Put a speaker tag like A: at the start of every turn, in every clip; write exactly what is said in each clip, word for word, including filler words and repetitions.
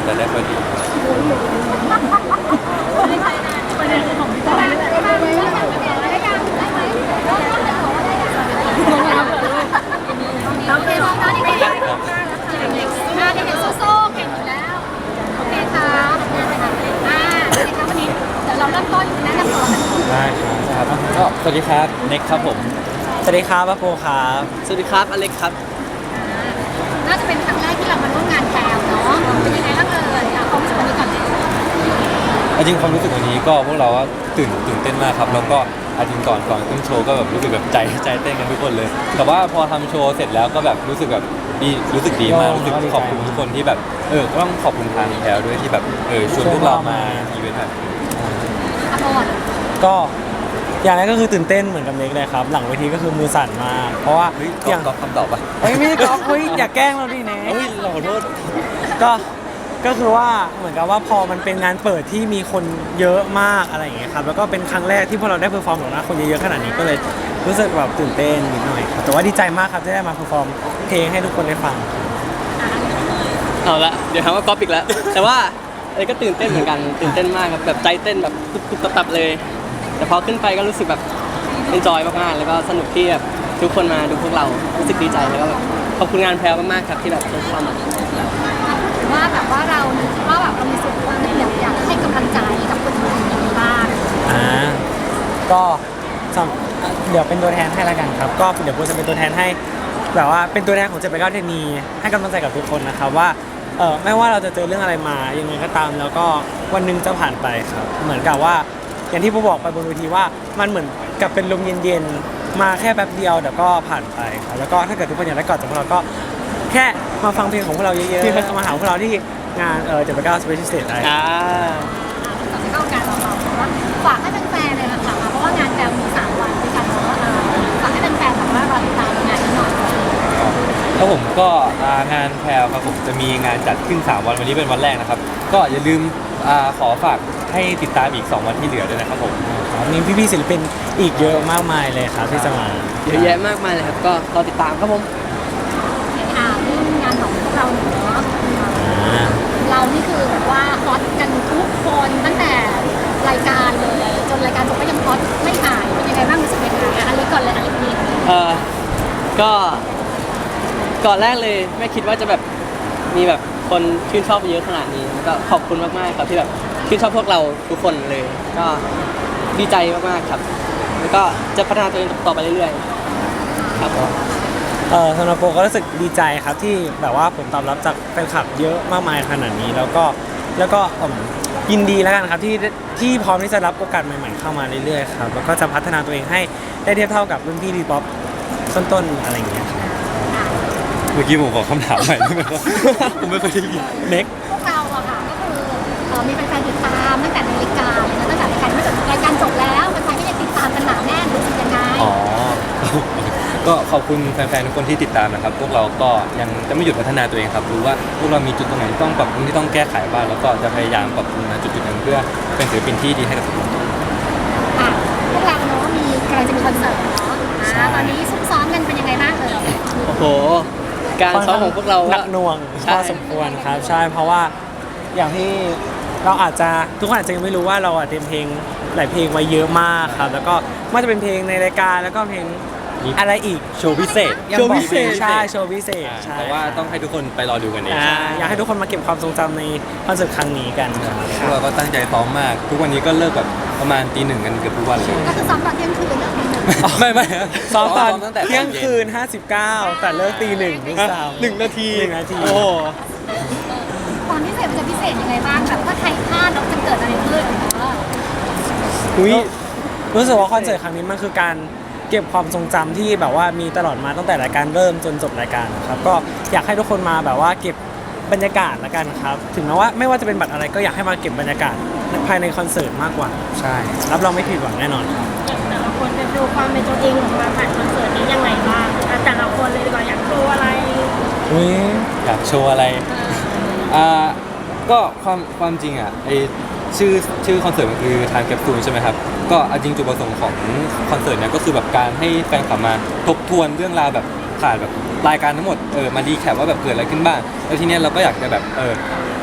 A: จะได้พอดี
B: ประเด็นของพี่จอยนี่แหละโอเคมองหน้าที่เด็กหน้าที่เด็กโซ่ๆเก่งอยู่แล้วโอเคครับอ่าโอเคครับวันนี้เดี๋ยวเราเริ่มต้นแนะนำตัวกัน
A: ได้ครับก็สวัสดีครับเน็กครับผม
C: สวัสดีครับป้าโปครับ
D: สวัสดีครับอเล็กครับ
B: น่าจะเป็นครั้งแรกที่เรามาร่วมงานแคลเนาะเป็นยังไงบ้างเอ่ยเอาความรู้สึกวันนี้ก่อนเลย
A: จริงความรู้สึกวันนี้ก็พวกเราก็ตื่นตื่นเต้นมากครับแล้วก็อาจริงก่อนก่อนขึ้นโชว์ก็แบบรู้สึกแบบใจใจเต้นกันทุกคนเลยแต่ว่าพอทำโชว์เสร็จแล้วก็แบบรู้สึกแบบดีรู้สึกดีมากรู้สึกขอบคุณทุกคนที่แบบเออก็ต้องขอบคุณทางแถวด้วยที่แบบเออชวนพวกเรามาอีเวนต์แบบ
B: อร่อย
C: ก็อย่างแรกก็คือตื่นเต้นเหมือนกับเน็กเลยครับหลังเวทีก็คือมือสั่นมากเพราะว่า
A: เฮ้ย
C: อย่าง
A: ตอบคำตอบปะ
C: เฮ้ยไม่ได้ก๊อฟเฮ้ยอย่าแกล้งเราดิเน็ก
A: เฮ้ยเราขอโทษ
C: ก็ก็คือว่าเหมือนกับว่าพอมันเป็นงานเปิดที่มีคนเยอะมากอะไรอย่างเงี้ยครับแล้วก็เป็นครั้งแรกที่พวกเราได้เพอร์ฟอร์มหรอกนะคนเยอะๆขนาดนี้ก็เลยรู้สึกแบบตื่นเต้นนิดหน่อยครับแต่ว่าดีใจมากครับที่ได้มาเพอร์ฟอร์มเพลงให้ทุกคนได้ฟัง
D: เอาละเดี๋ยวหาว่าก๊อปอีกแล้วแต่ว่าอเล็กก็ตื่นเต้นเหมือนกันตื่นเต้นมากครับแบบใจเต้นแบบตุบๆตับๆเลยแต่พอขึ้นไปก็รู้สึกแบบเอนจอยมากๆแล้วก็สนุกที่แบบทุกคนมาดูพวกเรารู้สึกดีใจแล้วก็แบบขอบคุณงานแพรวมากๆครับที่แบบเชิญเข้ามา
B: ว่าแบบว่าเราว่าแบบเรามีส่วนร่วมในอยากอยากให้กำลังใจกับคนอื่นอย่างนี้บ้าง
C: อ่าก็สำเดี๋ยวเป็นตัวแทนให้ละกันครับก็เดี๋ยวผมจะเป็นตัวแทนให้แบบว่าเป็นตัวแทนของเจ็ดแปดเก้าเทคนีให้กำลังใจกับทุกคนนะครับว่าเออไม่ว่าเราจะเจอเรื่องอะไรมายังไงก็ตามแล้วก็วันหนึงจะผ่านไปครับเหมือนกับว่าอย่างที่ผมบอกไปบนเวทีว่ามันเหมือนกับเป็นลมเย็นๆมาแค่แป๊บเดียวเดี๋ยวก็ผ่านไปครับแล้วก็ถ้าเกิดทุกคนอยากได้กอดจากพวกเราก็แค่มาฟังเพลงของพวกเราเยอะๆมาหาพวกเราที่งานเออเจ็ดแปดเก้า Special Stage ได้
D: อ่า
B: เราจะเข้าการของเราว่าฝากให้แฟนๆเลยนะคะเพราะว่างานแคลมีสามวันด้วยกันเนาะฝากให้แฟนๆแบบว่ารอติดตามงานนี้หน่อย
A: ครับผมก็งานแพรวครับผมจะมีงานจัดขึ้นสามวันวันนี้เป็นวันแรกนะครับก็อย่าลืมขอฝากให้ติดตามอีกสองวันที่เหลือด้วยนะครับผม
C: มีพี่ๆศิลปินอีกเยอะมากมายเลยครับที่จะมา
D: เยอะแยะมากมายเลยครับก็รอติดตามครับผม
B: อ่าเรื่องงานของพวกเราเนาะเรานี่คือแบบว่าฮอตกันทุกคนตั้งแต่รายการเลยจนรายการจบก็ยังฮอตไม่หายเป็นยังไงบ้างรู้สึกยังไงอันนี้ก่อนเลยอันนี้
D: เออก็ก่อนแรกเลยไม่คิดว่าจะแบบมีแบบคนชื่นชอบเยอะขนาดนี้ก็ขอบคุณมากๆครับที่แบบชื่นชอบพวกเราทุกคนเลยก็ดีใจมากๆครับแล้วก็จะพัฒนาตัวเองต่อไปเรื่อยๆครับผม
C: เออสำหรับโปก็รู้สึกดีใจครับที่แบบว่าผลตอบรับจากแฟนคลับเยอะมากมายขนาดนี้แล้วก็แล้วก็ยินดีแล้วกันครับที่ที่พร้อมที่จะรับโอกาสใหม่ๆเข้ามาเรื่อยๆครับแล้วก็จะพัฒนาตัวเองให้ได้เทียบเท่ากับรุ่นพี่ดีป๊อปต้นๆอะไรอย่างเงี้ย
A: เมื่อกี้ผมขอคำถามใหม่ได้ไหมครับผมไม่เคยได้ยิน
C: เน็ก
B: พวกเราอะค่ะก็คือมีแฟนๆติดตามตั้งแต่ในรายการเลยนะตั้งแต่รายการไม่จบรายการจบแล้วแฟนๆก็ยังติดตามกันหนาแน่นรู้สึกยังไง
A: อ๋อก็ขอบคุณแฟนๆทุกคนที่ติดตามนะครับพวกเราก็ยังจะไม่หยุดพัฒนาตัวเองครับรู้ว่าพวกเรามีจุดตรงไหนต้องปรับปรุงที่ต้องแก้ไขบ้างแล้วก็จะพยายามปรับปรุงนะจุดๆนั้นเพื่อเป็นศิลปินที่ดีให้กับทุกคน
B: ค่ะพวกเราเนาะมีกำลังจะมีคอนเสิร์ตเนาะตอนนี้ซุ่มซ้อมกันเป็นยังไงบ้างเอ่ย
D: โอ้โหการซ้อมของพวกเรา
C: หนักหน่วงพอสมควรครับใช่เพราะว่าอย่างที่เราอาจจะทุกคนอาจจะยังไม่รู้ว่าเราเตรียมเพลงหลายเพลงไว้เยอะมากครับแล้วก็ไม่ว่าจะเป็นเพลงในรายการแล้วก็เพลงอะไรอีก
A: โชว์พิเศษ
C: โชว์พิเศษใช่โชว์พิเศษใช่
A: แต่ว่าต้องให้ทุกคนไปรอดูกันเอง
C: อยากให้ทุกคนมาเก็บความทรงจำในคอนเสิร์ตครั้งนี้กัน
A: พวกเราก็ตั้งใจซ้อมมากทุกวันนี้ก็เลิกแบบประมาณตีหนึ่งกันเกือบทุกวันเลย
B: ก็คือซ้อมตอนเที่ยงคืนเหรอ
A: ไม่ไม่
C: ซ้อมตอนเที่ยงคืนห้าสิบเก้าแต่เลิกตีหนึ่งนี่สาม
A: หนึ่งนาที
C: หนึ่งนาที
A: โอ้
B: ความพิเศษมันจะพิเศษยังไงบ้างแบบถ้าใครพลาดแล้วจะเกิดอะไรขึ้น
C: อุ้ยรู้สึกว่าคอนเสิร์ตครั้งนี้มันคือการเก็บความทรงจำที่แบบว่ามีตลอดมาตั้งแต่รายการเริ่มจนจบรายการครับก็อยากให้ทุกคนมาแบบว่าเก็บบรรยากาศละกันครับถึงแม้ว่าไม่ว่าจะเป็นบัตรอะไรก็อยากให้มาเก็บบรรยากาศภายในคอนเสิร์ตมากกว่าใช่รับรองไม่ผิดหวังแน่นอนครับ
B: แต่ละคนจะดูความเป็นตัวเองของมาผ่านคอนเสิร์ตนี้ยังไงบ้างแต่ละคนเลยดีกว่าอยากโชว์อะไร
C: อุ้ย
A: อยากโชว์อะไรอ่าก็ความความจริงอ่ะไอชื่อชื่อคอนเสิร์ตมันคือทางแคปซูลใช่ไหมครับก็จริงจุดประสงค์ของคอนเสิร์ตเนี้ยก็คือแบบการให้แฟนคลับมาทบทวนเรื่องราวแบบผ่านแบบรายการทั้งหมดเออมาดีแคปว่าแบบเกิดอะไรขึ้นบ้างแล้วทีเนี้ยเราก็อยากจะแบบเออ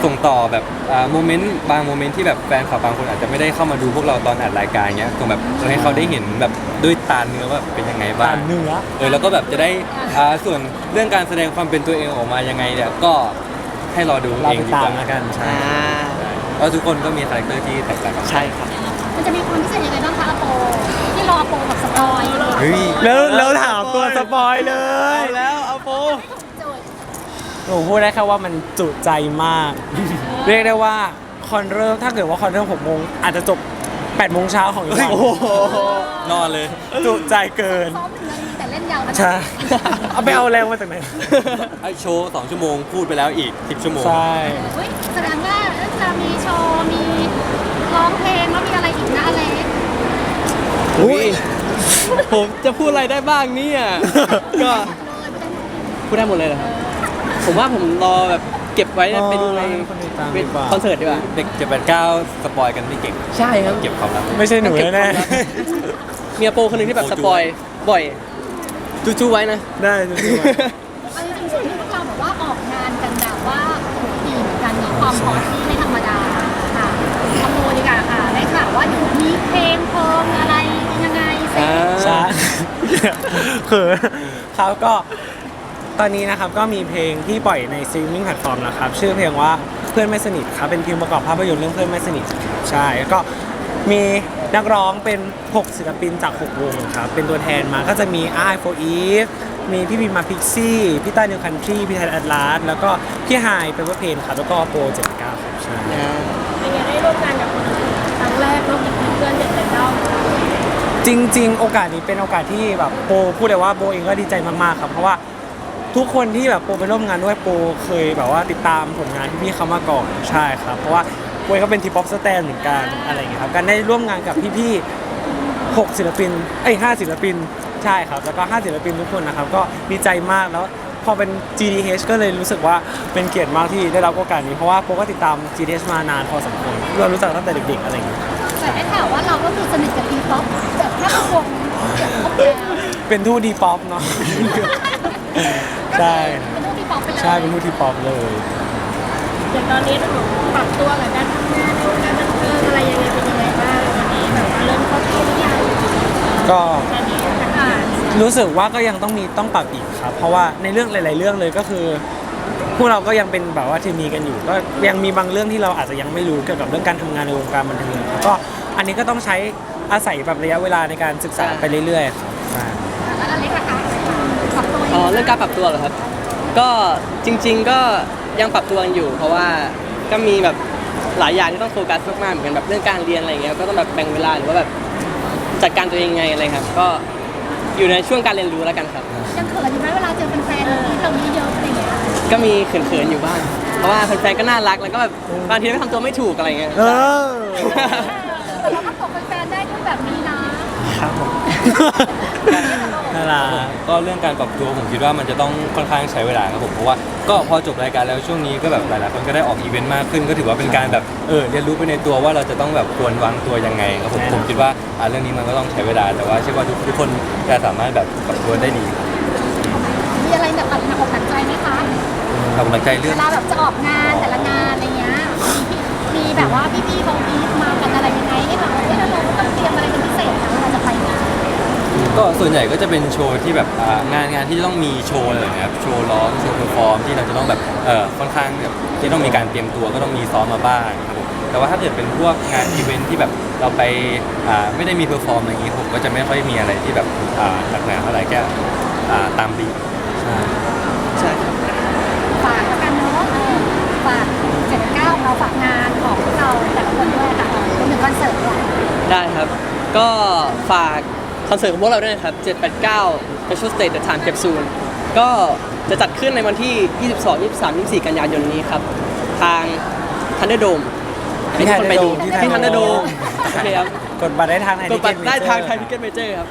A: ส่งต่อแบบอ่าโมเมนต์บางโมเมนต์ที่แบบแฟนคลับบางคนอาจจะไม่ได้เข้ามาดูพวกเราตอนอัดรายการเงี้ยส่งแบบให้เขาได้เห็นแบบด้วยตาเนื้อว่าเป็นยังไงบ้าง
C: ตาเนื้อ
A: เออแล้วก็แบบจะได้อ่าส่วนเรื่องการแสดงความเป็นตัวเองออกมายังไงเนี่ยก็ให้รอดู
C: เรา
A: เอง
C: ไป
A: ดี
C: ตาก ม
A: ว่า
C: แล้วกันใช่
D: อ่า
A: เพราะทุกคนก็มีคาแรคเตอร์ที่แตกต่างกัน
D: ใช่ครับ
B: มันจะมีความพิเศษยังไงบ้างคะอโปที่รออโปแบบสปอยเลย
A: เฮ้ย
C: แล้วแล้วถามตัวสปอยเลย
D: เอาแล้วเอาโป
B: โจทย์
C: หนูพูดได้แค่ว่ามันจุใจมาก เรียกได้ว่าคอนเริ่มถ้าเกิดว่าคอนเริ่มหกโมงอาจจะจบแปดโมงเช้าของอีกวัน
D: โอ้โห
A: นอนเลย
C: จุใจเกิน
B: ซ้อมหนึ่งนาทีแต่เล่นยาวนะ
C: ใช่ เอาไปเอาแรงมาจากไหน
A: ไอโชว์สองชั่วโมงพูดไปแล้วอีกสิบชั่วโมง
C: ใช่
B: เฮ้ยแสดงว่าจะมีโชว์มีร้องเพลงแล้วมีอะไรอีกนะอเล็ก
D: อุ้ยผมจะพูดอะไรได้บ้างเนี่ยก็ พูดได้หมดเลยเหรอครับผมว่าผมรอแบบเก็บไว้ไปดูใน
C: คนติดตามดีกว่า
D: คอนเสิร์ตดีกว่า
A: เด็กเจ็ดแปดเก้าสปอยกันไม่เก่ง
D: ใช่ครับ
A: เก็บความลับ
C: ไม่ใช่หนูแน่
D: เมียโปคนหนึ่งที่แบบสปอยบ่อยจู้ๆไว้นะ
C: ๆได้จริง
B: เอาจริงๆช่วงนี้พวกเราแบบว่าออกงานกันแบบว่าดีเหมือนกันเนาะความฮอตที่ไม่ธรรมดาค่ะขโมยดีกว่าค่ะได้ข่าวว่าอยู่มีเพลงเพลงอะไรยังไงเสร็จ
C: ๆใช่ คือเขาก็ตอนนี้นะครับก็มีเพลงที่ปล่อยในสตรีมมิ่งแพลตฟอร์มแล้วครับชื่อเพลงว่าเพื่อนไม่สนิทครับเป็นเพลงประกอบภาพยนตร์เรื่องเพื่อนไม่สนิทใช่แล้วก็มีนักร้องเป็นหกศิลปินจากหกวงครับเป็นตัวแทนมาก็จะมีไอโฟอีฟมีพี่พิมมาพิกซี่พี่ต้านิวคันทรีพี่ไทยแอดลาสแล้วก็พี่ไฮเป็นว่าเพลงครับแล้วก็โปรเจ็ดเก้าครับใช่
B: เป็นไงได้ร่วมงานกับครั้งแรกร่วมกับเพื่อนเด็กแต่เก้า
C: จริง ๆ โอกาสนี้เป็นโอกาสที่แบบโปพูดเลยว่าโปเองก็ดีใจมากๆครับเพราะว่าทุกคนที่แบบโปไปร่วมงานด้วยโปเคยแบบว่าติดตามผลงานที่พี่เขามาก่อนใช่ครับเพราะว่าโปเองก็เป็นทีป๊อปสแตนเหมือนกันอะไรอย่างเงี้ยครับการได้ร่วมงานกับพี่ๆหกศิลปินเอ้ยห้าศิลปินใช่ครับแล้วก็ห้าศิลปินทุกคนนะครับก็ดีใจมากแล้วพอเป็น จี ดี เอช ก็เลยรู้สึกว่าเป็นเกียรติมากที่ได้รับโอกาสนี้เพราะว่าโปก็ติดตาม จี ดี เอช มานานพอสมควรเรารู้จักตั้งแต่เด็กๆอะไรอย่างเงี้ย
B: แต่ได้ข่าวว่าเราก็คือสนิทกับทีป๊อปแบบถ้าเป็นวงเกี่ยวกับแล้ว
C: เป็นทูตดีป๊อปเนาะ ใช่
B: เป็นวงทีป๊อปไปเลย
C: ใช่เป็นทูตดีป๊อปเลย
B: อย่างตอนนี้ต้องปรับตัวกับการทำงานวงการบันเทิงอะไรยังไงเป็นยังไงบ้างตอนนี้แบบว่าเริ่มเข้าที่หรือยัง
C: ก็
B: ตอนนี้อ่าน
C: รู้สึกว่าก็ยังต้องมีต้องปรับอีกครับ เพราะว่าในเรื่องหลาย ๆ เรื่องเลยก็คือ พวกเราก็ยังเป็นแบบว่าทีมีกันอยู่ ก็ยังมีบางเรื่องที่เราอาจจะยังไม่รู้เกี่ยวกับเรื่องการทำงานในวงการบันเทิงครับก็อันนี้ก็ต้องใช้อาศัยแบบระยะเวลาในการศึกษาไปเรื่อย ๆ ครับใช่
B: แล้วอเล็กนะคะปรับตัวยังไง
D: อ๋อเรื่องการปรับตัวเหรอครับ ก็จริง ๆ ก็ยังปรับตัวกันอยู่ เพราะว่าก็มีแบบหลายอย่างที่ต้องโฟกัสมากๆเหมือนกันแบบเรื่องการเรียนอะไรเงี้ยก็ต้องแบบแบ่งเวลาหรือว่าแบบจัดการตัวเองไงอะไรครับ ก็อยู่ในช่วงการเรียนรู้แล้วกันครับ
B: ยังเขินอยู่ไหมเวลาเจอแฟนๆที่เราเยอะๆอะไรอย่างเงี้ย
D: ก็มีเขินๆอยู่บ้าง เพราะว่าแฟนๆก็น่ารักแล้วก็แบบบางทีไม่ทำตัวไม่ถูกอะไรเงี้ย
C: เออ
B: แต่เราก็ตกแฟนๆได้ด้วยแบบนี้นะครับ
C: ผมน่ารัก
A: ก็เรื่องการปรับตัวผมคิดว่ามันจะต้องค่อนข้างใช้เวลาครับผมเพราะว่าก็พอจบรายการแล้วช่วงนี้ก็แบบหลายๆคนก็ได้ออกอีเวนต์มากขึ้น ก็ถือว่าเป็นการแบบเออเรียนรู้ไปในตัวว่าเราจะต้องแบบควรวางตัวยังไงครับผม
C: แน่นอน
A: ผมคิดว่าอ่าเรื่องนี้มันก็ต้องใช้เวลาแต่ว่าเชื่อว่าทุกทุกคนจะสามารถแบบปรับตัวได้ดี
B: มีอะไรแบบหนักอกหนักใจไหมคะ
A: ขอบคุณใจเรื่
B: เว
A: อง
B: ลาแบบจะออกงานแต่ละงานอะไรเงี้ยมีมีแบบว่าพี่ๆเขาบีบมากันอะไรยังไงให้แบบเฮ้ยเราต้องเตรียมอะไรเป็นพิเศษนะเวลาจะไปงาน
A: ก็ส่วนใหญ่ก็จะเป็นโชว์ที่แบบอ่างานงานที่จะต้องมีโชว์อะไรอย่างเงี้ยครับโชว์ร้องโชว์เพอร์ฟอร์มที่เราจะต้องแบบเออค่อนข้างแบบที่ต้องมีการเตรียมตัวก็ต้องมีซ้อมมาบ้างครับผมแต่ว่าถ้าเกิดเป็นพวกงานอีเวนท์ที่แบบเราไปอ่าไม่ได้มีเพอร์ฟอร์มอะไรอย่างงี้ผมก็จะไม่ค่อยมีอะไรที่แบบอ่าหนักหนาอะไรแค่อ่าตามบีทใช่
D: ใช่ครับ
B: ฝากแล้วกันเนาะเออฝากเจ็ดเก้าเราฝากงานของพวกเราแต่ละคนด้วยค่ะรวมถึงคอนเสิร์ตด้วย
D: ได้ครับ ก็ฝากคอนเสิร์ตของพวกเราด้วยนะครับเจ็ด แปด เก้า Special Stage The Time Capsule ก็จะจัดขึ้นในวันที่ ยี่สิบสอง ยี่สิบสาม ยี่สิบสี่ กันยายนนี้ครับ ทาง Thunderdome ให้ทุกคนไปดู
C: ที่
D: ที่
C: Thunderdome
D: Thunderdome โอเคครับ
C: กดบัตรได้ทางไทย
D: กดบัตรได้ทาง
C: Ticket
D: ไทยทิเก็ตเมเจอร์ครับ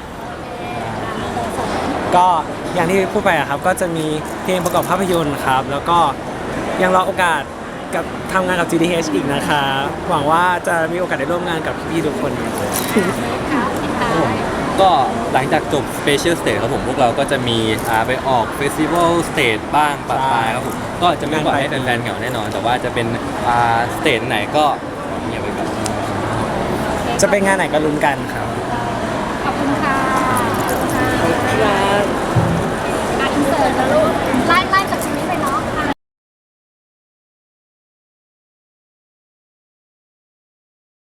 C: ก็อย่างที่พูดไปอะครับ ก็จะมีเพลงประกอบภาพยนตร์ครับ แล้วก็ยังรอโอกาสกับทำงานกับ จี ดี เอช อีกนะคะหวังว่าจะมีโอกาสได้ร่วมงานกับพี่ๆทุกคน
B: ค่ะปิดท้าย
A: กก็หลังจากจบ Special Stage ครับผมพวกเราก็จะมีอ่าไปออก Festival Stage บ้างปะปายครับผมก็จะไม่ปล่อยให้แฟนๆเหงาแน่นอน แต่ว่าจะเป็นอ่าสเตจไหนก็เงียบไปก่อน
C: จะเป็นงานไหนก็ลุ้นกันครับ
B: ขอบคุณค่ะขอบคุณค่ะ
D: ครับ
B: อ่ะอินเสิร์ตนะลูกไล่ไล่